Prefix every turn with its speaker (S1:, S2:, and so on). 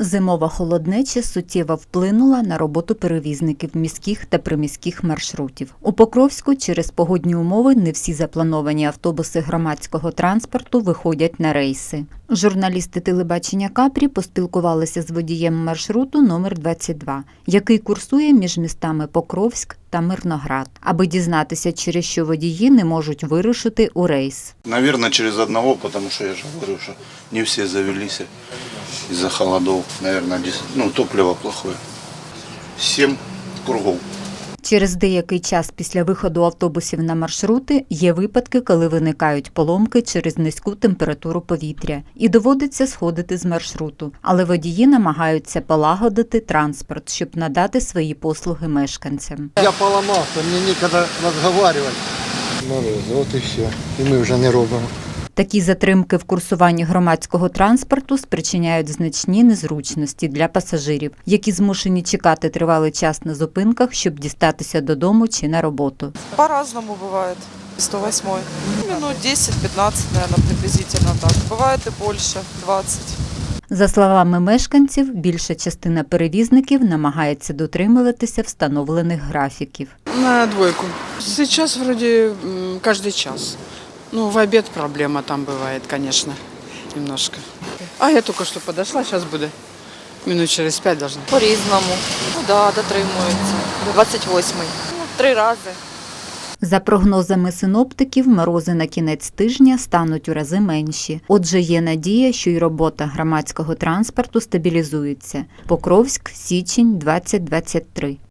S1: Зимова холоднеча суттєво вплинула на роботу перевізників міських та приміських маршрутів. У Покровську через погодні умови не всі заплановані автобуси громадського транспорту виходять на рейси. Журналісти телебачення Капрі поспілкувалися з водієм маршруту номер 22, який курсує між містами Покровськ та Мирноград, аби дізнатися, через що водії не можуть вирушити у рейс.
S2: Наверное, через одного, потому что я же говорю, что не все завелись из-за холодов. Наверное, топливо плохое. 7 кругов.
S1: Через деякий час після виходу автобусів на маршрути є випадки, коли виникають поломки через низьку температуру повітря і доводиться сходити з маршруту. Але водії намагаються полагодити транспорт, щоб надати свої послуги мешканцям.
S3: Я поламався, мені ніколи розмовляти. От і все. І ми вже не робимо.
S1: Такі затримки в курсуванні громадського транспорту спричиняють значні незручності для пасажирів, які змушені чекати тривалий час на зупинках, щоб дістатися додому чи на роботу.
S4: По-разному бывает. 108. Минут 10-15, наверное, приблизительно так. Бывает и больше, 20.
S1: За словами мешканців, більша частина перевізників намагається дотримуватися встановлених графіків.
S5: На двойку. Сейчас вроде каждый час. В обед проблема там бывает, конечно, немножко. А я только что подошла, сейчас буду. Минут через 5 должна.
S4: По-різному. Дотримуються. До 28-й. 3 рази.
S1: За прогнозами синоптиків, морози на кінець тижня стануть у рази менші. Отже, є надія, що й робота громадського транспорту стабілізується. Покровськ, січень, 2023.